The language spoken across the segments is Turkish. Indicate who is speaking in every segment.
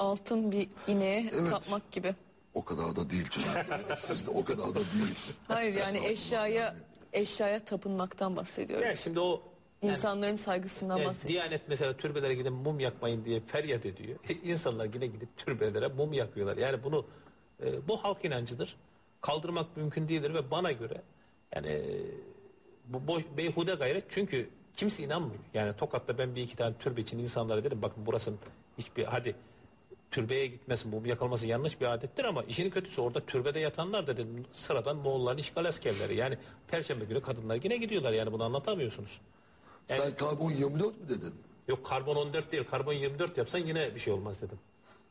Speaker 1: altın bir ineğe
Speaker 2: Evet.
Speaker 1: tapmak gibi.
Speaker 2: O kadar da değil canım. Siz de o kadar da değil.
Speaker 1: Hayır yani eşyaya tapınmaktan bahsediyorum.
Speaker 3: Yani şimdi o yani,
Speaker 1: İnsanların saygısından bahsediyorum.
Speaker 3: Diyanet mesela türbelere gidip mum yakmayın diye feryat ediyor. İnsanlar yine gidip türbelere mum yakıyorlar. Yani bunu bu halk inancıdır. Kaldırmak mümkün değildir ve bana göre yani bu boş beyhude gayret, çünkü kimse inanmıyor. Yani Tokat'ta ben bir iki tane türbe için insanlara dedim bakın burasının hiçbir hadi türbeye gitmesin, mum yakılması yanlış bir adettir ama işin kötüsü orada türbede yatanlar da dedim sıradan Moğolların işgal askerleri. Yani Perşembe günü kadınlar yine gidiyorlar, yani bunu anlatamıyorsunuz. Yani,
Speaker 2: Sen karbon 24 mü dedin?
Speaker 3: yok karbon 14 değil, karbon 24 yapsan yine bir şey olmaz dedim.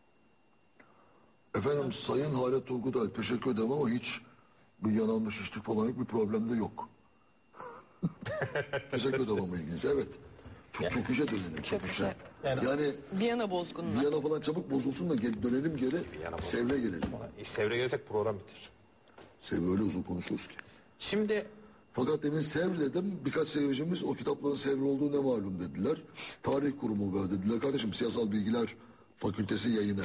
Speaker 2: Efendim Sayın Halet Turgutay teşekkür ederim ama hiç bir yanağımda şişlik falan yok, bir problem de yok. Teşekkür ederim ama ilginize. Evet. Çok çöküşe dönelim. Çöküşe. Yani
Speaker 1: Viyana bozgununa.
Speaker 2: Viyana falan çabuk bozulsun da dönelim geri. Sevr'e gelelim.
Speaker 3: Sevr'e gelsek program bitir.
Speaker 2: Sevr öyle uzun konuşuyoruz ki.
Speaker 3: Şimdi
Speaker 2: fakat demin Sevr dedim. Birkaç seyircimiz o kitapların Sevr olduğu ne malum dediler. Tarih kurumu var dediler. Kardeşim Siyasal Bilgiler Fakültesi yayını.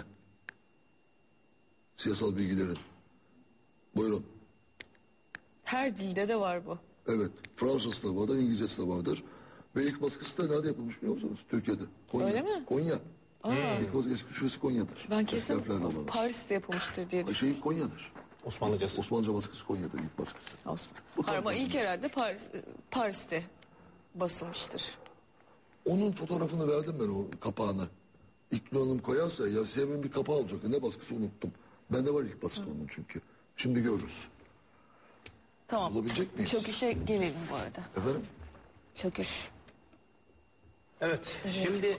Speaker 2: Siyasal bilgilerin. Buyurun.
Speaker 1: Her dilde de var bu.
Speaker 2: Evet. Fransızcası da vardır, İngilizcesi de vardır. Ve ilk baskısı da nerede yapılmış biliyor musunuz? Türkiye'de. Konya.
Speaker 1: Öyle mi?
Speaker 2: Konya. İlk baskı eski şurası Konya'dır.
Speaker 1: Ben kesin
Speaker 2: Eski harflerle olan.
Speaker 1: Paris'te yapılmıştır diye düşünüyorum.
Speaker 2: Konya'dır.
Speaker 3: Osmanlıcası.
Speaker 2: Osmanlıca baskısı Konya'dır ilk baskısı.
Speaker 1: Hayır, ama ilk herhalde Paris'te basılmıştır.
Speaker 2: Onun fotoğrafını verdim ben, o kapağını. İlknur Hanım koyarsa ya Sevr'in bir kapağı olacak. Ne baskısı unuttum. Bende var ilk baskı onun çünkü. Şimdi görürüz.
Speaker 1: Tamam.
Speaker 2: Bulabilecek miyiz?
Speaker 1: Çöküşe gelelim bu arada.
Speaker 2: Efendim?
Speaker 1: Çöküş.
Speaker 3: Evet. Şimdi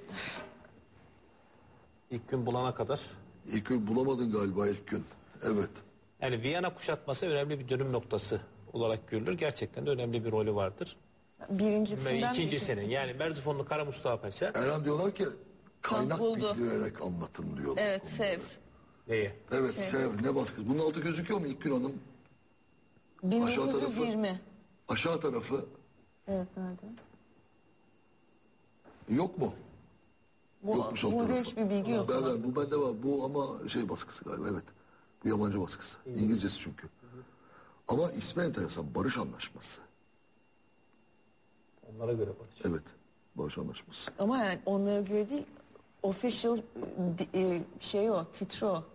Speaker 3: ilk gün bulana kadar.
Speaker 2: İlk gün bulamadın galiba ilk gün. Evet.
Speaker 3: Yani Viyana kuşatması önemli bir dönüm noktası olarak görülür. Gerçekten de önemli bir rolü vardır.
Speaker 1: Birincisinden
Speaker 3: İkincisinin yani Merzifonlu Kara Mustafa Paşa.
Speaker 2: Erhan diyorlar ki kaynak
Speaker 1: buldu.
Speaker 2: bildirerek anlatın diyorlar.
Speaker 1: Evet, Sevr.
Speaker 3: Neyi?
Speaker 2: Evet, Sevr ne baskısı. Bunun altı gözüküyor mu İlkgün Hanım?
Speaker 1: 1920.
Speaker 2: Aşağı tarafı.
Speaker 1: Evet, nerede?
Speaker 2: Yok mu? Yokmuş alt
Speaker 1: Burada
Speaker 2: tarafı.
Speaker 1: hiçbir bilgi yok.
Speaker 2: Bu bende var. Bu ama şey baskısı galiba, evet. Bu yabancı baskısı. İngilizcesi çünkü. Ama ismi enteresan. Barış Anlaşması.
Speaker 3: Onlara göre barış.
Speaker 2: Evet. Barış Anlaşması.
Speaker 1: Ama yani onlara göre değil, official şey o, titre o.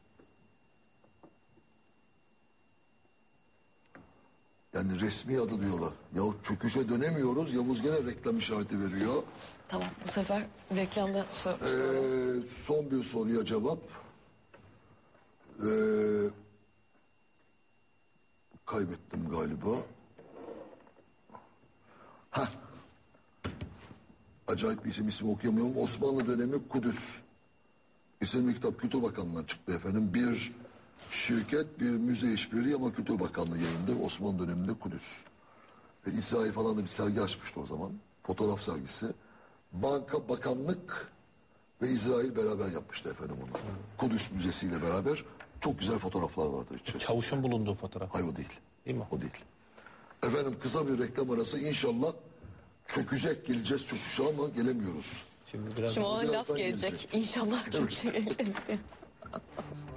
Speaker 2: Yani resmi adı diyorlar. Yahu çöküşe dönemiyoruz. Yavuz gene reklam işareti veriyor.
Speaker 1: Tamam, bu sefer reklamda
Speaker 2: Son bir soruya cevap. Kaybettim galiba. Heh. Acayip bir ismi okuyamıyorum. Osmanlı dönemi Kudüs. İsimli kitap Kültür Bakanlığı'ndan çıktı efendim. Bir şirket, bir müze işbirliği ama Kültür Bakanlığı yayındır. Osmanlı döneminde Kudüs. İsrail falan da bir sergi açmıştı o zaman. Fotoğraf sergisi. Banka, bakanlık ve İsrail beraber yapmıştı efendim onu. Kudüs Müzesi ile beraber çok güzel fotoğraflar vardı içerisinde.
Speaker 3: Çavuşun bulunduğu fotoğraf.
Speaker 2: Hayır, o değil.
Speaker 3: Değil mi?
Speaker 2: O değil. Efendim kısa bir reklam arası, inşallah çökecek, geleceğiz çöküşe ama gelemiyoruz.
Speaker 3: Şimdi
Speaker 1: Şimdi ona laf
Speaker 2: birazdan
Speaker 1: gelecek.
Speaker 2: gelecek.
Speaker 1: İnşallah çok şey geleceğiz.